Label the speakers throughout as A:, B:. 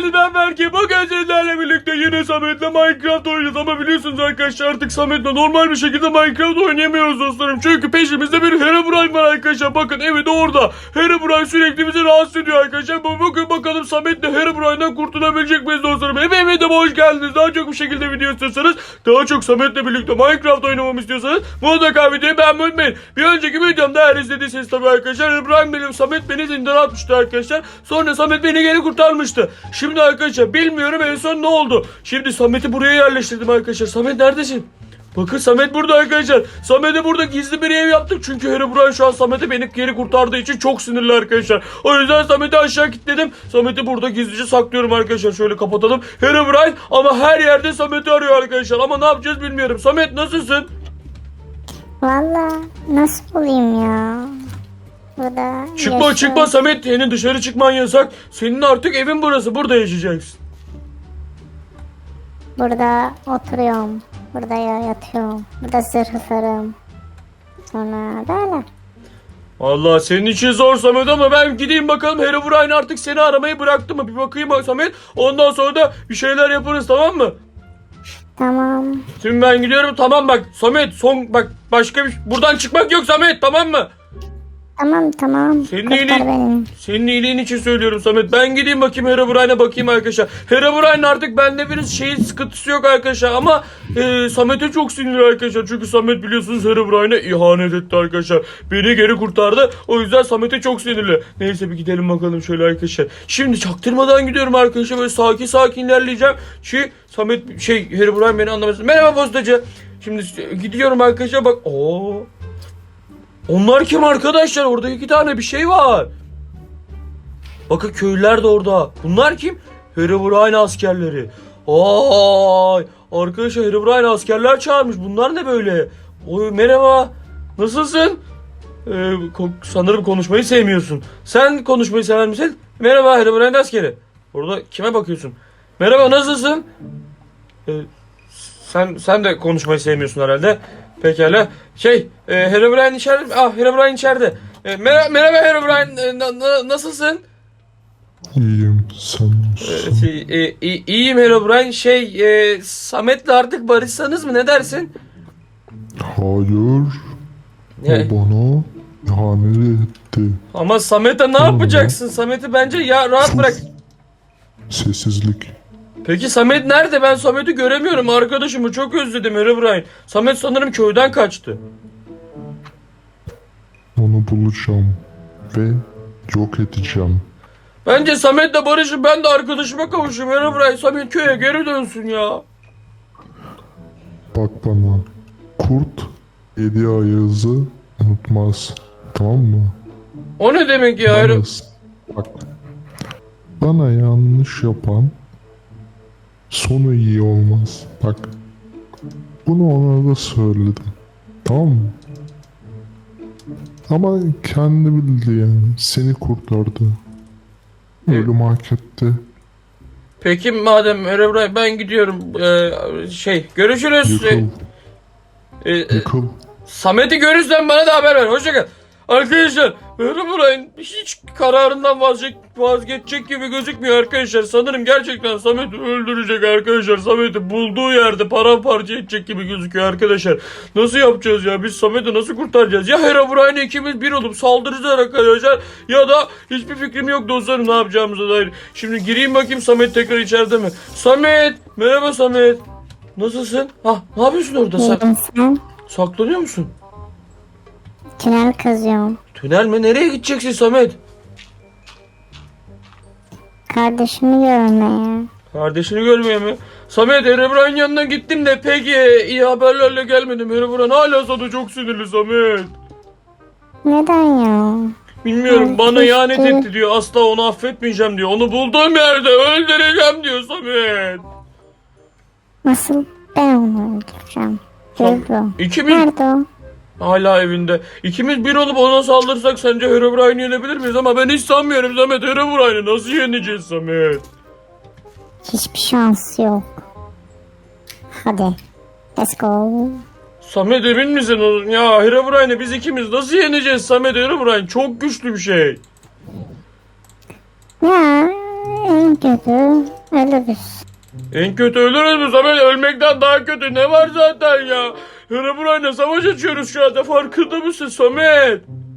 A: geldiniz, ben Berke. Bugün sizlerle birlikte yine Samet'le Minecraft oynayacağız. Ama biliyorsunuz arkadaşlar, artık Samet'le normal bir şekilde Minecraft oynayamıyoruz dostlarım. Çünkü peşimizde bir Herobrine var arkadaşlar. Bakın, evi de orada. Herobrine sürekli bizi rahatsız ediyor arkadaşlar. Bugün bakalım Samet'le Herobrine'den kurtulabilecek miyiz dostlarım? Eve de hoş geldiniz. Daha çok bir şekilde video istiyorsanız, daha çok Samet'le birlikte Minecraft oynamamı istiyorsanız mutlaka videoyu beğenmeyi unutmayın. Bir önceki videomda eğer izlediyseniz tabii arkadaşlar, Herobrine benim, Samet beni zindana atmıştı arkadaşlar. Sonra Samet beni geri kurtarmıştı. Şimdi arkadaşlar bilmiyorum en son ne oldu. Şimdi Samet'i buraya yerleştirdim arkadaşlar. Samet neredesin? Bakın Samet burada arkadaşlar. Samet'e burada gizli bir ev yaptık. Çünkü Herobrine şu an Samet'i beni geri kurtardığı için çok sinirli arkadaşlar. O yüzden Samet'i aşağı kilitledim. Samet'i burada gizlice saklıyorum arkadaşlar. Şöyle kapatalım. Herobrine ama her yerde Samet'i arıyor arkadaşlar. Ama ne yapacağız bilmiyorum. Samet nasılsın?
B: Valla nasıl olayım ya? Burada
A: Çıkma Samet. Senin dışarı çıkman yasak. Senin artık evin burası. Burada yaşayacaksın.
B: Burada oturuyorum. Burada yatıyorum. Burada zırh sarım. Sonra böyle.
A: Vallahi senin için zor Samet ama ben gideyim bakalım, Herobrine artık seni aramayı bıraktı mı? Bir bakayım bak Samet. Ondan sonra da bir şeyler yaparız, tamam mı?
B: Tamam.
A: Şimdi ben gidiyorum, tamam bak Samet, son bak, başka bir buradan çıkmak yok Samet, tamam mı?
B: Tamam.
A: Senin iyiliğin için söylüyorum Samet. Ben gideyim bakayım Herobrine'e, bakayım arkadaşlar. Herobrine artık bende bir sıkıntısı yok arkadaşlar ama Samet'e çok sinirli arkadaşlar. Çünkü Samet biliyorsunuz Herobrine'e ihanet etti arkadaşlar. Beni geri kurtardı. O yüzden Samet'e çok sinirli. Neyse bir gidelim bakalım şöyle arkadaşlar. Şimdi çaktırmadan gidiyorum arkadaşlar. Böyle sakin ilerleyeceğim. Samet Herobrine beni anlamasın. Merhaba postacı. Şimdi gidiyorum arkadaşlar, bak. Onlar kim arkadaşlar? Orada 2 tane bir şey var. Bakın köylüler de orada. Bunlar kim? Herobrine askerleri. Ay arkadaşlar, Herobrine askerler çağırmış. Bunlar ne böyle? Merhaba. Nasılsın? Sanırım konuşmayı sevmiyorsun. Sen konuşmayı sever misin? Merhaba Herobrine askeri. Orada kime bakıyorsun? Merhaba, nasılsın? Sen de konuşmayı sevmiyorsun herhalde. Pekala. Herobrine içeride. Herobrine içeride. Merhaba Herobrine. Nasılsın?
C: İyiyim, sen nasılsın?
A: İyiyim Herobrine. Samet'le artık barışsanız mı? Ne dersin?
C: Hayır.
A: Ne?
C: O bana ihanet etti.
A: Ama Samet'e ne yapacaksın? Samet'i bence rahat bırak.
C: Sessizlik.
A: Peki Samet nerede? Ben Samet'i göremiyorum. Arkadaşımı çok özledim Herobrine. Samet sanırım köyden kaçtı.
C: Onu bulacağım ve yok edeceğim.
A: Bence Samet'le barışın, ben de arkadaşıma kavuşayım Herobrine. Samet köye geri dönsün ya.
C: Bak bana. Kurt 7 ayazı unutmaz. Tamam mı?
A: O ne demek ya?
C: Bak. Bana yanlış yapan sonu iyi olmaz. Bak. Bunu ona da söyledim. Tamam mı? Ama kendi bildi yani. Seni kurtardı. Ölüm hak etti.
A: Peki madem Herobrine, ben gidiyorum. Görüşürüz.
C: Yıkıl. Yıkıl.
A: Samet'i görürsen bana da haber ver. Hoşça kal. Arkadaşlar, Herobrine hiç kararından vazgeçecek gibi gözükmüyor arkadaşlar. Sanırım gerçekten Samet'i öldürecek arkadaşlar. Samet'i bulduğu yerde paramparça edecek gibi gözüküyor arkadaşlar. Nasıl yapacağız ya? Biz Samet'i nasıl kurtaracağız? Ya Herobrine ikimiz bir olup saldıracağız arkadaşlar, ya da hiçbir fikrim yok dostlarım ne yapacağımıza dair. Şimdi gireyim bakayım Samet tekrar içeride mi? Samet! Merhaba Samet. Nasılsın? Ne yapıyorsun orada sen?
B: Sen?
A: Saklanıyor musun?
B: Tünel kazıyorum.
A: Tünel mi? Nereye gideceksin Samet?
B: Kardeşimi görmeye.
A: Kardeşini görmeye mi? Samet, Herobrine yanına gittim de pek iyi haberlerle gelmedim. Herobrine hala sana çok sinirli Samet.
B: Neden ya?
A: Bilmiyorum, bana ihanet etti diyor. Asla onu affetmeyeceğim diyor. Onu bulduğum yerde öldüreceğim diyor Samet.
B: Nasıl ben onu öldüreceğim?
A: İkimiz
B: Nerede o?
A: hala evinde. İkimiz bir olup ona saldırsak sence Herobrine'i yenebilir miyiz? Ama ben hiç sanmıyorum Samet. Herobrine'i nasıl yeneceğiz Samet?
B: Hiçbir şansı yok. Hadi. Let's go.
A: Samet emin misin? Ya Herobrine'i biz ikimiz nasıl yeneceğiz Samet? Herobrine çok güçlü bir şey.
B: Ya En kötü ölürüz.
A: En kötü ölürüz mü Samet? Ölmekten daha kötü ne var zaten ya? Herobrine'le savaş açıyoruz şu anda, farkında mısın Samet?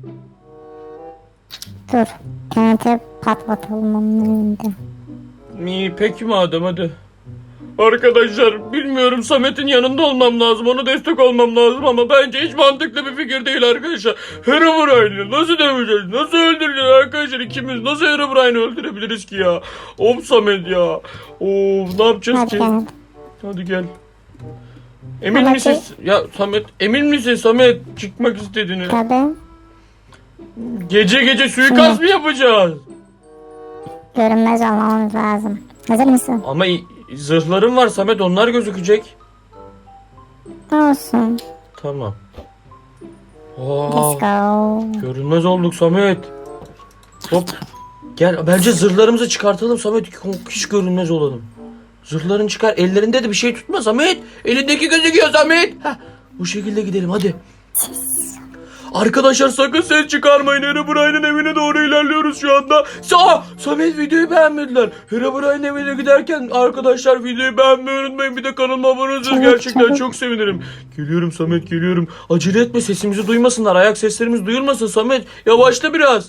B: Dur. TNT patlatalım onun önünde.
A: İyi peki madem, hadi. Arkadaşlar bilmiyorum, Samet'in yanında olmam lazım, ona destek olmam lazım ama bence hiç mantıklı bir fikir değil arkadaşlar. Herobrine'i nasıl döveceğiz, nasıl öldüreceğiz arkadaşlar, ikimiz nasıl Herobrine'i öldürebiliriz ki ya? Of Samet ya. Of, ne yapacağız
B: Hadi
A: ki?
B: gel.
A: Hadi gel. Emin
B: Hadi.
A: misin? Ya Samet, emin misin Samet çıkmak istediğini?
B: Tabii.
A: Gece gece suikast mı yapacağız?
B: Görünmez olmamız lazım. Hazır mısın?
A: Ama zırhlarım var Samet, onlar gözükecek.
B: Olsun.
A: Tamam.
B: Let's go.
A: Görünmez olduk Samet. Hop. Gel, bence zırhlarımızı çıkartalım Samet. Hiç görünmez olalım. Zırhların çıkar. Ellerinde de bir şey tutma Samet. Elindeki gözüküyor Samet. Heh, bu şekilde gidelim hadi. Arkadaşlar sakın ses çıkarmayın. Herobrine'in evine doğru ilerliyoruz şu anda. Samet videoyu beğenmediler. Herobrine'in evine giderken arkadaşlar videoyu beğenmeyi unutmayın. Bir de kanalıma abone olursanız
B: Çabuk,
A: gerçekten
B: çabuk.
A: çok sevinirim. Geliyorum Samet, geliyorum. Acele etme, sesimizi duymasınlar. Ayak seslerimiz duyulmasın Samet. Yavaşla biraz.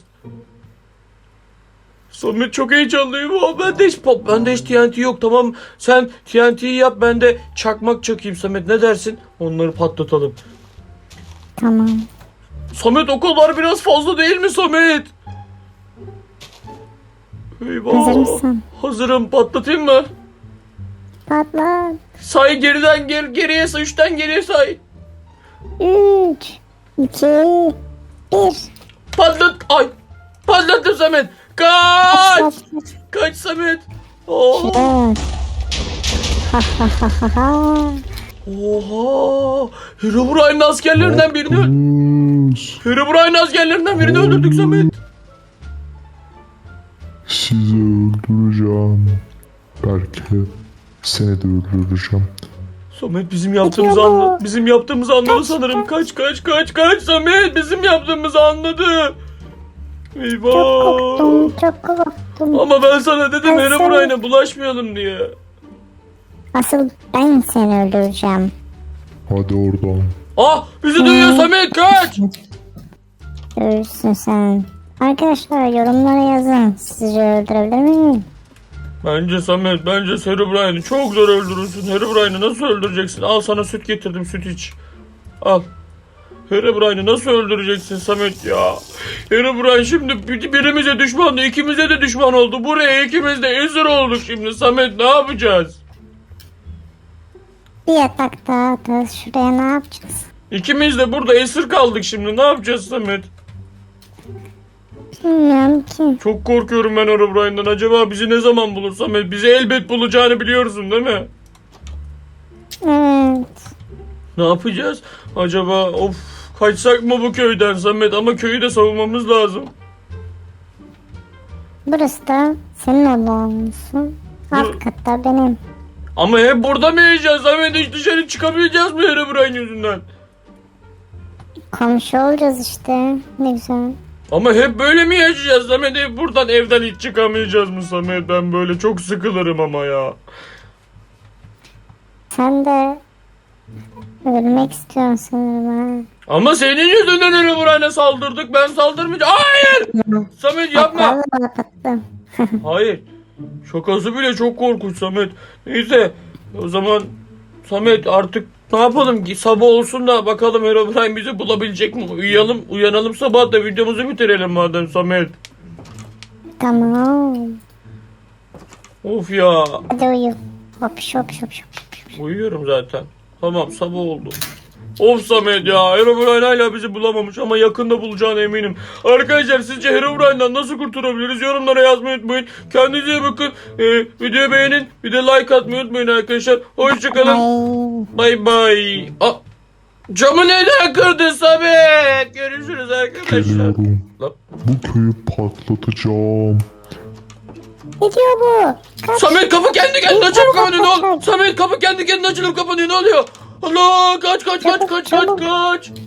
A: Samet çok heyecanlıyım. Bende hiç TNT yok, tamam. Sen TNT'yi yap, ben de çakmak çakayım Samet. Ne dersin? Onları patlatalım.
B: Tamam.
A: Samet o kadar biraz fazla değil mi Samet? Eyvah.
B: Hazır mısın?
A: Hazırım. Patlatayım mı?
B: Patlat.
A: Say geriden geriye say. 3'ten geriye say.
B: 3, 2, 1.
A: Patlat. Ay. Patlattım Samet. Kaç. Kaç Samet. Oh.
B: Dört. Ha ha ha ha ha.
A: Oha. Herobrine'in askerlerinden birini
C: Kız.
A: Herobrine'in askerlerinden birini öldürdük Samet.
C: Sizi öldüreceğim. Belki seni de öldüreceğim.
A: Samet bizim yaptığımızı
B: Gidiyor bu.
A: anladı. Bizim yaptığımızı anladı sanırım. Kaç Samet, bizim yaptığımızı anladı. Eyvah.
B: Çok korktum. Çok korktum.
A: Ama ben sana dedim
B: Ben
A: Herobrine'e bulaşmayalım diye.
B: Asıl ben seni öldüreceğim.
C: Hadi oradan.
A: Bizi duyuyor Samet, kaç.
B: Görürsün sen. Arkadaşlar yorumlara yazın. Sizi öldürebilir miyim?
A: Bence Samet, bence Herobrine'i çok zor öldürürsün. Herobrine'i nasıl öldüreceksin? Al sana süt getirdim, süt iç. Al. Herobrine'i nasıl öldüreceksin Samet ya? Herobrine şimdi birimize düşmandı, ikimize de düşman oldu. Buraya ikimiz de esir olduk şimdi Samet, ne yapacağız?
B: Bir yatak daha atarız. Şuraya ne yapacağız?
A: İkimiz de burada esir kaldık şimdi, ne yapacağız Samet?
B: Bilmiyorum ki.
A: Çok korkuyorum ben Herobrine'den. Acaba bizi ne zaman bulur Samet? Bizi elbet bulacağını biliyorsun değil mi?
B: Evet.
A: Ne yapacağız? Acaba kaçsak mı bu köyden Samet? Ama köyü de savunmamız lazım.
B: Burası da senin odan olsun. Alt katta benim.
A: Ama hep burada mı yiyeceğiz Samet? Hiç dışarı çıkamayacağız mı Herobrine yüzünden?
B: Komşu olacağız işte. Ne güzel.
A: Ama hep böyle mi yaşayacağız Samet? Hep buradan, evden hiç çıkamayacağız mı Samet? Ben böyle çok sıkılırım ama ya.
B: Sen de ölmek istiyorsun sanırım ha.
A: Ama senin yüzünden Herobrine'e saldırdık. Ben saldırmayacağım. Hayır! Samet yapma.
B: Vallahi patlattım.
A: Hayır. Şakası bile çok korkunç Samet. Neyse. O zaman Samet artık ne yapalım ki? Sabah olsun da bakalım Herobrine bizi bulabilecek mi? Uyanalım sabah da videomuzu bitirelim madem Samet.
B: Tamam.
A: Of ya.
B: Hadi uyu. Hop şop şop şop.
A: Uyuyorum zaten. Tamam, sabah oldu. Of Samet ya. Herobrine hala bizi bulamamış ama yakında bulacağına eminim. Arkadaşlar sizce Herobrine'den nasıl kurtulabiliriz? Yorumlara yazmayı unutmayın. Kendinize iyi bakın. Videoyu beğenin. Bir de like atmayı unutmayın arkadaşlar. Hoşçakalın.
B: Ay.
A: Bay bay. Camı neden kırdın Samet? Görüşürüz arkadaşlar.
C: Geliyorum.
A: Lan.
C: Bu köyü patlatacağım.
B: Ne diyor bu? Kaç.
A: Samet kapı kendi kendine açılıp kapanıyor, ne oluyor? Samet kapı kendi kendine açılıp kapanıyor, ne oluyor? Allah, kaç.